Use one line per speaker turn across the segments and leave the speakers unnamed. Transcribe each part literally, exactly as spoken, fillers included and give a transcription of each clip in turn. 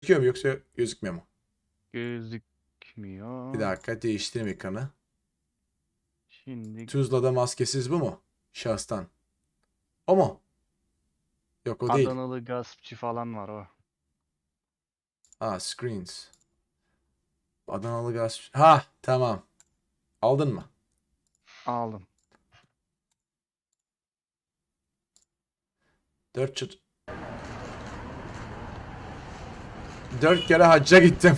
Gözüküyor mu yoksa gözükmüyor mu?
Gözükmüyor.
Bir dakika değiştireyim ekranı.
Şimdi
Tuzla'da maskesiz bu mu? Şahıstan. O mu? Yok o değil.
Adanalı gaspçı falan var o.
Ha screens. Adanalı gaz. Ha tamam. Aldın mı?
Aldım.
Dört çıt. Dört kere hacca gittim.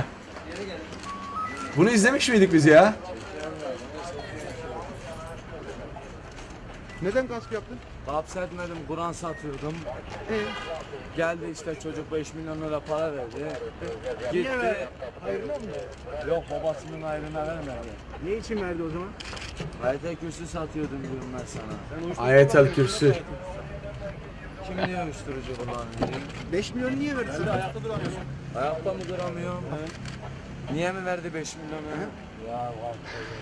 Bunu izlemiş miydik biz ya?
Neden gasp yaptın?
Gasp etmedim, Kur'an satıyordum.
Ee,
Geldi işte çocuk beş milyon lira para verdi.
niye
Gitti.
ver? Hayırlı mı?
Yok babasının ayrına vermedi.
Ne için verdi o zaman?
Ayet kürsü satıyordum diyorum ben sana.
Ayetel Kürsü.
Kim diyor uyuşturucu kullanıyor?
beş milyon niye verdi sana?
Ayakta mı duramıyorum? Niye mi verdi beş milyonu? Ya var.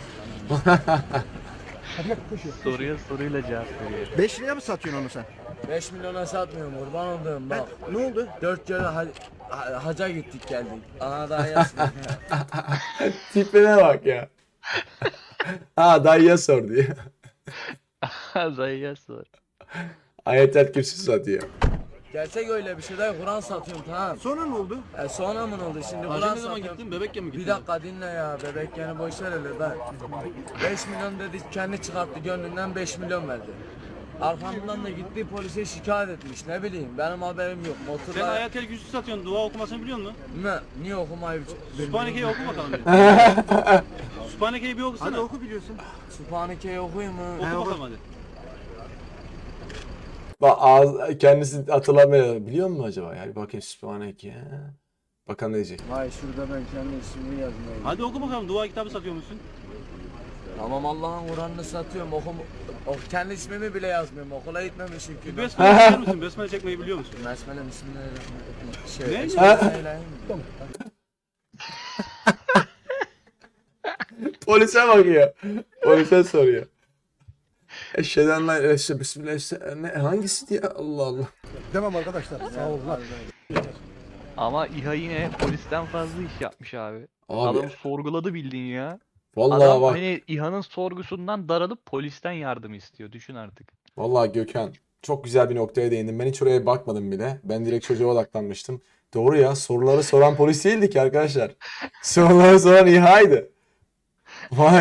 Hadi bak koşuyor.
Soruya soruyla cevap veriyor.
beş liraya mı satıyorsun onu sen?
beş milyona satmıyorum kurban olduğum bak.
Ne oldu?
Dört kere ha ha- haca gittik geldik. Ana daha yazmıyor.
Tipine bak ya. Ha dayıya sor diyor.
Dayıya sor.
Ayetel Kürsü satıyor.
Gerçek öyle bir şey değil. Kur'an satıyorum tamam.
Sonra ne oldu?
E sonra mı ne oldu şimdi Kur'an
Hacı ne zaman
satıyorum.
gittin? Bebekken mi gittin?
Bir dakika dinle ya bebek yani boş ver hele ben. beş milyon dedi kendi çıkarttı gönlünden beş milyon verdi. Arkamdan da gitti polise şikayet etmiş ne bileyim benim haberim yok.
Sen
Motorla
Ayetel Kürsü satıyorsun. Dua okumasını biliyor musun?
ne? Niye okumayı
Sübhaneke'yi oku bakalım bir. Sübhaneke'yi bir
Hadi
okusana.
oku biliyorsun.
Sübhaneke'yi okuyayım mı?
Oku
He, oku.
bakalım hadi.
Bak ağız, kendisi hatırlamıyor. Biliyor musun acaba? Yani bakayım Sübhaneke. Bakalım ne diyecek.
Vay şurada ben kendi ismimi yazmayayım.
Hadi oku bakalım. Dua kitabı satıyor musun?
Tamam Allah'ın Kur'an'ını satıyorum okum o, kendi ismimi bile yazmıyorum okula gitmemişim ki.
Besmele çeker misin? Besmele çekmeyi biliyor musun?
Besmele bismillahirrahmanirrahim. Şey,
Ne?
Bismillahirrahmanirrahim.
Polise bakıyor. Polise soruyor. Eşheden la eşe bismillah eşe- ne hangisi diye Allah Allah.
Tamam arkadaşlar. Sağ olun.
Ama İHA yine polisten fazla iş yapmış abi.
Abi
Adam sorguladı bildiğin ya.
vallahi
Adam
bak.
hani İHA'nın sorgusundan daralıp polisten yardım istiyor. Düşün artık.
Vallahi Gökhan çok güzel bir noktaya değindin. Ben hiç oraya bakmadım bile. Ben direkt çocuğa odaklanmıştım. Doğru ya, soruları soran polis değildi ki arkadaşlar. Soruları soran İHA'ydı. Vay